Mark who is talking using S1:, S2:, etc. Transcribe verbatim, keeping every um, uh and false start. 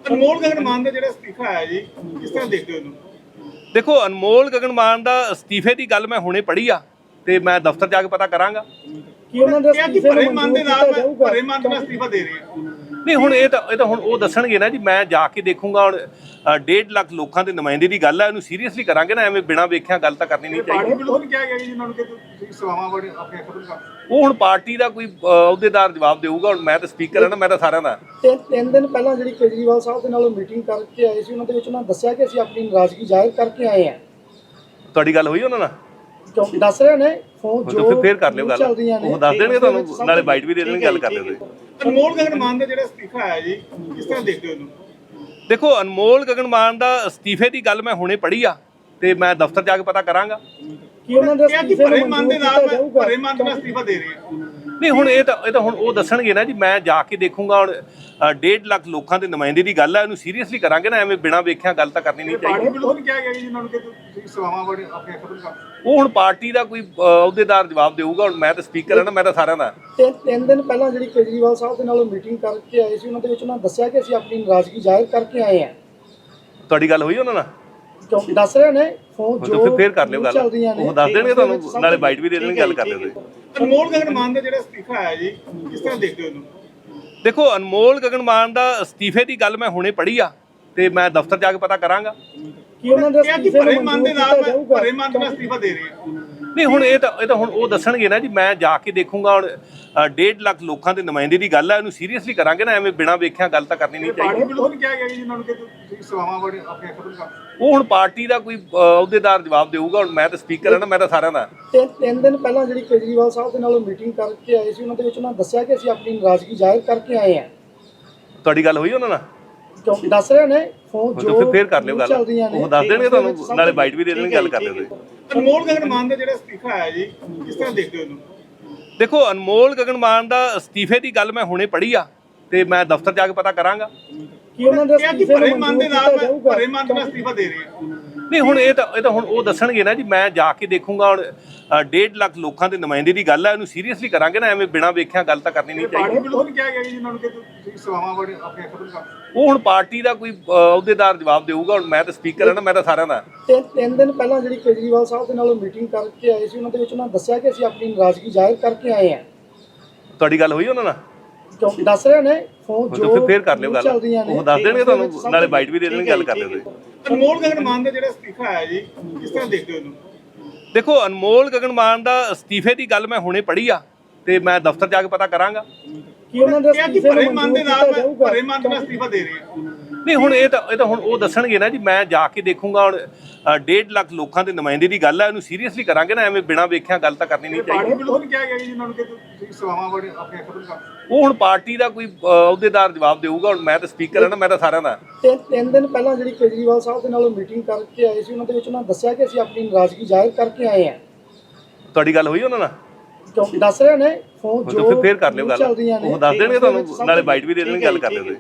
S1: ਅਨਮੋਲ ਗਗਨ ਮਾਨ ਦਾ ਜਿਹੜਾ ਅਸਤੀਫਾ ਆਇਆ ਜੀ, ਕਿਸ ਤਰ੍ਹਾਂ ਦੇਖਦੇ ਹੋ ਇਹਨੂੰ?
S2: ਦੇਖੋ, ਅਨਮੋਲ ਗਗਨ ਮਾਨ ਦਾ ਅਸਤੀਫੇ ਦੀ ਗੱਲ ਮੈਂ ਹੁਣੇ ਪੜ੍ਹੀ ਆ ਤੇ ਮੈਂ ਦਫ਼ਤਰ ਜਾ ਕੇ ਪਤਾ ਕਰਾਂਗਾ।
S1: ਕੀ ਉਹਨਾਂ ਦੇ ਅਸਤੀਫੇ ਭਰੇ ਮਨ ਦੇ ਨਾਲ ਭਰੇ ਮਨ ਨਾਲ ਅਸਤੀਫਾ ਦੇ ਰਹੇ ਆ?
S2: ਨਹੀਂ, ਹੁਣ ਇਹ ਤਾਂ ਇਹ ਤਾਂ ਹੁਣ ਉਹ ਦੱਸਣਗੇ ਨਾ ਜੀ। ਮੈਂ ਜਾ ਕੇ ਦੇਖੂੰਗਾ। ਹੁਣ ਡੇਢ ਲੱਖ ਲੋਕਾਂ ਦੇ ਨੁਮਾਇੰਦੇ ਦੀ ਗੱਲ ਹੈ, ਇਹਨੂੰ ਸੀਰੀਅਸਲੀ ਕਰਾਂਗੇ ਨਾ। ਐਵੇਂ ਬਿਨਾਂ ਵੇਖਿਆ ਗੱਲ ਤਾਂ ਕਰਨੀ ਨਹੀਂ ਚਾਹੀਦੀ।
S1: ਪਾਰਟੀ ਵੱਲੋਂ ਕਿਹਾ ਗਿਆ ਜੀ ਉਹਨਾਂ ਨੂੰ ਕਿ ਤੁਸੀਂ ਸੇਵਾਵਾਂ ਬੜੇ ਆਪਣੇ ਖਤਮ ਕਰ।
S2: ਉਹ ਹੁਣ ਪਾਰਟੀ ਦਾ ਕੋਈ ਅਹੁਦੇਦਾਰ ਜਵਾਬ ਦੇਊਗਾ। ਹੁਣ ਮੈਂ ਤਾਂ ਸਪੀਕਰ ਹਾਂ ਨਾ, ਮੈਂ ਤਾਂ ਸਾਰਿਆਂ ਦਾ।
S3: ਤੇ ਤਿੰਨ ਦਿਨ ਪਹਿਲਾਂ ਜਿਹੜੀ ਕੇਜਰੀਵਾਲ ਸਾਹਿਬ ਦੇ ਨਾਲ ਮੀਟਿੰਗ ਕਰਕੇ ਆਏ ਸੀ, ਉਹਨਾਂ ਦੇ ਵਿੱਚ ਉਹਨਾਂ ਦੱਸਿਆ ਕਿ ਅਸੀਂ ਆਪਣੀ ਨਾਰਾਜ਼ਗੀ ਜ਼ਾਹਿਰ ਕਰਕੇ ਆਏ ਹਾਂ।
S2: ਤੁਹਾਡੀ ਗੱਲ ਹੋਈ ਉਹਨਾਂ ਨਾਲ?
S3: ਕਿਉਂ ਦੱਸ ਰਹੇ ਨੇ ਫੋਨ ਜੋ
S2: ਫਿਰ ਫੇਰ ਕਰ ਲਿਓ ਗੱਲ। ਉਹ ਦੱਸ ਦੇਣਗੇ ਤੁਹਾਨੂੰ, ਨਾਲੇ ਬਾਈਟ ਵੀ ਦੇ ਦੇਣਗੇ, ਗੱਲ ਕਰ ਲਿਓ ਤੁਸੀਂ।
S1: ਅਨਮੋਲ ਗਗਨ ਮਾਨ ਦਾ ਜਿਹੜਾ ਅਸਤੀਫਾ ਆਇਆ ਜੀ, ਕਿਸ ਤਰ੍ਹਾਂ ਦੇਖਦੇ ਹੋ ਇਹਨੂੰ?
S2: ਦੇਖੋ, ਅਨਮੋਲ ਗਗਨ ਮਾਨ ਦਾ ਅਸਤੀਫੇ ਦੀ ਗੱਲ ਮੈਂ ਹੁਣੇ ਪੜ੍ਹੀ ਆ ਤੇ ਮੈਂ ਦਫ਼ਤਰ ਜਾ ਕੇ ਪਤਾ ਕਰਾਂਗਾ।
S3: ਕੀ ਉਹਨਾਂ ਦੇ ਅਸਤੀਫੇ
S1: ਭਰੇ ਮਨ ਦੇ ਨਾਲ ਭਰੇ ਮਨ ਨਾਲ ਅਸਤੀਫਾ ਦੇ ਰਹੇ ਆ?
S2: ਨਹੀਂ, ਹੁਣ ਇਹ ਤਾਂ ਇਹ ਤਾਂ ਹੁਣ ਉਹ ਦੱਸਣਗੇ ਨਾ ਜੀ। ਮੈਂ ਜਾ ਕੇ ਦੇਖੂੰਗਾ। ਹੁਣ ਡੇਢ ਲੱਖ ਲੋਕਾਂ ਦੇ ਨੁਮਾਇੰਦੇ ਦੀ ਗੱਲ ਹੈ, ਇਹਨੂੰ ਸੀਰੀਅਸਲੀ ਕਰਾਂਗੇ ਨਾ। ਐਵੇਂ ਬਿਨਾਂ ਵੇਖਿਆ ਗੱਲ ਤਾਂ ਕਰਨੀ ਨਹੀਂ ਚਾਹੀਦੀ।
S1: ਪਾਰਟੀ ਵੱਲੋਂ ਕਿਹਾ ਗਿਆ ਜੀ ਉਹਨਾਂ ਨੂੰ ਕਿ ਤੁਸੀਂ ਸੇਵਾਵਾਂ ਬੜੇ ਆਪਣੇ ਖਤਮ ਕਰ।
S2: ਉਹ ਹੁਣ ਪਾਰਟੀ ਦਾ ਕੋਈ ਅਹੁਦੇਦਾਰ ਜਵਾਬ ਦੇਊਗਾ। ਹੁਣ ਮੈਂ ਤਾਂ ਸਪੀਕਰ ਹਾਂ ਨਾ, ਮੈਂ ਤਾਂ ਸਾਰਿਆਂ ਦਾ।
S3: ਤੇ ਤਿੰਨ ਦਿਨ ਪਹਿਲਾਂ ਜਿਹੜੀ ਕੇਜਰੀਵਾਲ ਸਾਹਿਬ ਦੇ ਨਾਲ ਮੀਟਿੰਗ ਕਰਕੇ ਆਏ ਸੀ, ਉਹਨਾਂ ਦੇ ਵਿੱਚ ਉਹਨਾਂ ਦੱਸਿਆ ਕਿ ਅਸੀਂ ਆਪਣੀ ਨਾਰਾਜ਼ਗੀ ਜ਼ਾਹਿਰ ਕਰਕੇ ਆਏ ਹਾਂ।
S2: ਤੁਹਾਡੀ ਗੱਲ ਹੋਈ ਉਹਨਾਂ ਨਾਲ?
S3: ਕਿਉਂ ਦੱਸ ਰਹੇ ਨੇ ਫੋਨ ਜੋ
S2: ਫੇਰ ਕਰ ਲਿਓ ਗੱਲ। ਉਹ ਦੱਸ ਦੇਣਗੇ ਤੁਹਾਨੂੰ, ਨਾਲੇ ਬਾਈਟ ਵੀ ਦੇ ਦੇਣਗੇ, ਗੱਲ ਕਰ ਲਿਓ ਤੁਸੀਂ।
S1: ਅਨਮੋਲ ਗਗਨ ਮਾਨ ਦਾ ਜਿਹੜਾ ਅਸਤੀਫਾ ਆਇਆ ਜੀ, ਕਿਸ ਤਰ੍ਹਾਂ ਦੇਖਦੇ ਹੋ ਇਹਨੂੰ?
S2: ਦੇਖੋ, ਅਨਮੋਲ ਗਗਨ ਮਾਨ ਦਾ ਅਸਤੀਫੇ ਦੀ ਗੱਲ ਮੈਂ ਹੁਣੇ ਪੜ੍ਹੀ ਆ ਤੇ ਮੈਂ ਦਫ਼ਤਰ ਜਾ ਕੇ ਪਤਾ ਕਰਾਂਗਾ।
S3: ਕੀ ਉਹਨਾਂ ਦੇ ਅਸਤੀਫੇ
S1: ਭਰੇ ਮਨ ਦੇ ਨਾਲ ਭਰੇ ਮਨ ਨਾਲ ਅਸਤੀਫਾ ਦੇ ਰਹੇ ਆ?
S2: ਨਹੀਂ, ਹੁਣ ਇਹ ਤਾਂ ਇਹ ਤਾਂ ਹੁਣ ਉਹ ਦੱਸਣਗੇ ਨਾ ਜੀ। ਮੈਂ ਜਾ ਕੇ ਦੇਖੂੰਗਾ। ਹੁਣ ਡੇਢ ਲੱਖ ਲੋਕਾਂ ਦੇ ਨੁਮਾਇੰਦੇ ਦੀ ਗੱਲ ਹੈ, ਇਹਨੂੰ ਸੀਰੀਅਸਲੀ ਕਰਾਂਗੇ ਨਾ। ਐਵੇਂ ਬਿਨਾਂ ਵੇਖਿਆ ਗੱਲ ਤਾਂ ਕਰਨੀ ਨਹੀਂ ਚਾਹੀਦੀ।
S1: ਪਾਰਟੀ ਵੱਲੋਂ ਕਿਹਾ ਗਿਆ ਜੀ ਉਹਨਾਂ ਨੂੰ ਕਿ ਤੁਸੀਂ ਸੇਵਾਵਾਂ ਬੜੇ ਆਪਣੇ ਖਤਮ ਕਰ।
S2: ਉਹ ਹੁਣ ਪਾਰਟੀ ਦਾ ਕੋਈ ਅਹੁਦੇਦਾਰ ਜਵਾਬ ਦੇਊਗਾ। ਹੁਣ ਮੈਂ ਤਾਂ ਸਪੀਕਰ ਹਾਂ ਨਾ, ਮੈਂ ਤਾਂ ਸਾਰਿਆਂ ਦਾ।
S3: ਤੇ ਤਿੰਨ ਦਿਨ ਪਹਿਲਾਂ ਜਿਹੜੀ ਕੇਜਰੀਵਾਲ ਸਾਹਿਬ ਦੇ ਨਾਲ ਮੀਟਿੰਗ ਕਰਕੇ ਆਏ ਸੀ, ਉਹਨਾਂ ਦੇ ਵਿੱਚ ਉਹਨਾਂ ਦੱਸਿਆ ਕਿ ਅਸੀਂ ਆਪਣੀ ਨਾਰਾਜ਼ਗੀ ਜ਼ਾਹਿਰ ਕਰਕੇ ਆਏ ਹਾਂ।
S2: ਤੁਹਾਡੀ ਗੱਲ ਹੋਈ ਉਹਨਾਂ ਨਾਲ?
S3: ਕਿਉਂ ਦੱਸ ਰਹੇ ਨੇ ਫੋਨ ਜੋ
S2: ਫੇਰ ਕਰ ਲਿਓ ਗੱਲ। ਉਹ ਦੱਸ ਦੇਣਗੇ ਤੁਹਾਨੂੰ, ਨਾਲੇ ਬਾਈਟ ਵੀ ਦੇ ਦੇਣਗੇ, ਗੱਲ ਕਰ ਲਿਓ ਤੁਸੀਂ।
S1: ਅਨਮੋਲ ਗਗਨ ਮਾਨ ਦਾ ਜਿਹੜਾ ਅਸਤੀਫਾ ਆਇਆ ਜੀ, ਕਿਸ ਤਰ੍ਹਾਂ ਦੇਖਦੇ ਹੋ ਇਹਨੂੰ?
S2: ਦੇਖੋ, ਅਨਮੋਲ ਗਗਨ ਮਾਨ ਦਾ ਅਸਤੀਫੇ ਦੀ ਗੱਲ ਮੈਂ ਹੁਣੇ ਪੜ੍ਹੀ ਆ ਤੇ ਮੈਂ ਦਫ਼ਤਰ ਜਾ ਕੇ ਪਤਾ ਕਰਾਂਗਾ।
S3: ਕੀ ਉਹਨਾਂ ਦੇ ਅਸਤੀਫੇ
S1: ਭਰੇ ਮਨ ਦੇ ਨਾਲ ਭਰੇ ਮਨ ਨਾਲ ਅਸਤੀਫਾ ਦੇ ਰਹੇ ਆ?
S2: ਨਹੀਂ, ਹੁਣ ਇਹ ਤਾਂ ਇਹ ਤਾਂ ਹੁਣ ਉਹ ਦੱਸਣਗੇ ਨਾ ਜੀ। ਮੈਂ ਜਾ ਕੇ ਦੇਖੂੰਗਾ। ਹੁਣ ਡੇਢ ਲੱਖ ਲੋਕਾਂ ਦੇ ਨੁਮਾਇੰਦੇ ਦੀ ਗੱਲ ਹੈ, ਇਹਨੂੰ ਸੀਰੀਅਸਲੀ ਕਰਾਂਗੇ ਨਾ। ਐਵੇਂ ਬਿਨਾਂ ਵੇਖਿਆ ਗੱਲ ਤਾਂ ਕਰਨੀ ਨਹੀਂ ਚਾਹੀਦੀ।
S1: ਪਾਰਟੀ ਵੱਲੋਂ ਕਿਹਾ ਗਿਆ ਜੀ ਉਹਨਾਂ ਨੂੰ ਕਿ ਤੁਸੀਂ ਸੇਵਾਵਾਂ ਬੜੇ ਆਪਣੇ ਖਤਮ ਕਰ।
S2: ਉਹ ਹੁਣ ਪਾਰਟੀ ਦਾ ਕੋਈ ਅਹੁਦੇਦਾਰ ਜਵਾਬ ਦੇਊਗਾ। ਹੁਣ ਮੈਂ ਤਾਂ ਸਪੀਕਰ ਹਾਂ ਨਾ, ਮੈਂ ਤਾਂ ਸਾਰਿਆਂ ਦਾ।
S3: ਤੇ ਤਿੰਨ ਦਿਨ ਪਹਿਲਾਂ ਜਿਹੜੀ ਕੇਜਰੀਵਾਲ ਸਾਹਿਬ ਦੇ ਨਾਲ ਮੀਟਿੰਗ ਕਰਕੇ ਆਏ ਸੀ, ਉਹਨਾਂ ਦੇ ਵਿੱਚ ਉਹਨਾਂ ਦੱਸਿਆ ਕਿ ਅਸੀਂ ਆਪਣੀ ਨਾਰਾਜ਼ਗੀ ਜ਼ਾਹਿਰ ਕਰਕੇ ਆਏ ਹਾਂ।
S2: ਤੁਹਾਡੀ ਗੱਲ ਹੋਈ ਉਹਨਾਂ ਨਾਲ?
S3: ਕਿਉਂ ਦੱਸ ਰਹੇ ਨੇ ਫੋਨ ਜੋ
S2: ਫੇਰ ਕਰ ਲਿਓ ਗੱਲ। ਉਹ ਦੱਸ ਦੇਣਗੇ ਤੁਹਾਨੂੰ, ਨਾਲੇ ਬਾਈਟ ਵੀ ਦੇ ਦੇਣਗੇ, ਗੱਲ ਕਰ ਲਿਓ ਤੁਸੀਂ।
S1: ਅਨਮੋਲ ਗਗਨ ਮਾਨ ਦਾ ਜਿਹੜਾ ਅਸਤੀਫਾ ਆਇਆ ਜੀ, ਕਿਸ ਤਰ੍ਹਾਂ ਦੇਖਦੇ ਹੋ ਇਹਨੂੰ?
S2: ਦੇਖੋ, ਅਨਮੋਲ ਗਗਨ ਮਾਨ ਦਾ ਅਸਤੀਫੇ ਦੀ ਗੱਲ ਮੈਂ ਹੁਣੇ ਪੜ੍ਹੀ ਆ ਤੇ ਮੈਂ ਦਫ਼ਤਰ ਜਾ ਕੇ ਪਤਾ ਕਰਾਂਗਾ।
S3: ਕੀ ਉਹਨਾਂ ਦੇ ਅਸਤੀਫੇ
S1: ਭਰੇ ਮਨ ਦੇ ਨਾਲ ਭਰੇ ਮਨ ਨਾਲ ਅਸਤੀਫਾ ਦੇ ਰਹੇ ਆ?
S2: ਨਹੀਂ, ਹੁਣ ਇਹ ਤਾਂ ਇਹ ਤਾਂ ਹੁਣ ਉਹ ਦੱਸਣਗੇ ਨਾ ਜੀ। ਮੈਂ ਜਾ ਕੇ ਦੇਖੂੰਗਾ। ਹੁਣ ਡੇਢ ਲੱਖ ਲੋਕਾਂ ਦੇ ਨੁਮਾਇੰਦੇ ਦੀ ਗੱਲ ਹੈ, ਇਹਨੂੰ ਸੀਰੀਅਸਲੀ ਕਰਾਂਗੇ ਨਾ। ਐਵੇਂ ਬਿਨਾਂ ਵੇਖਿਆ ਗੱਲ ਤਾਂ ਕਰਨੀ ਨਹੀਂ ਚਾਹੀਦੀ।
S1: ਪਾਰਟੀ ਵੱਲੋਂ ਕਿਹਾ ਗਿਆ ਜੀ ਉਹਨਾਂ ਨੂੰ ਕਿ ਤੁਸੀਂ ਸੇਵਾਵਾਂ ਬੜੇ ਆਪਣੇ ਖਤਮ ਕਰ।
S2: ਉਹ ਹੁਣ ਪਾਰਟੀ ਦਾ ਕੋਈ ਅਹੁਦੇਦਾਰ ਜਵਾਬ ਦੇਊਗਾ। ਹੁਣ ਮੈਂ ਤਾਂ ਸਪੀਕਰ ਹਾਂ ਨਾ, ਮੈਂ ਤਾਂ ਸਾਰਿਆਂ ਦਾ।
S3: ਤੇ ਤਿੰਨ ਦਿਨ ਪਹਿਲਾਂ ਜਿਹੜੀ ਕੇਜਰੀਵਾਲ ਸਾਹਿਬ ਦੇ ਨਾਲ ਮੀਟਿੰਗ ਕਰਕੇ ਆਏ ਸੀ, ਉਹਨਾਂ ਦੇ ਵਿੱਚ ਉਹਨਾਂ ਦੱਸਿਆ ਕਿ ਅਸੀਂ ਆਪਣੀ ਨਾਰਾਜ਼ਗੀ ਜ਼ਾਹਿਰ ਕਰਕੇ ਆਏ ਹਾਂ।
S2: ਤੁਹਾਡੀ ਗੱਲ ਹੋਈ ਉਹਨਾਂ ਨਾਲ?
S3: ਕਿਉਂ ਦੱਸ ਰਹੇ ਨੇ ਫੋਨ ਜੋ
S2: ਫੇਰ ਕਰ ਲਿਓ ਗੱਲ। ਉਹ ਦੱਸ ਦੇਣਗੇ ਤੁਹਾਨੂੰ, ਨਾਲੇ ਬਾਈਟ ਵੀ ਦੇ ਦੇਣਗੇ, ਗੱਲ ਕਰ ਲਿਓ ਤੁਸੀਂ।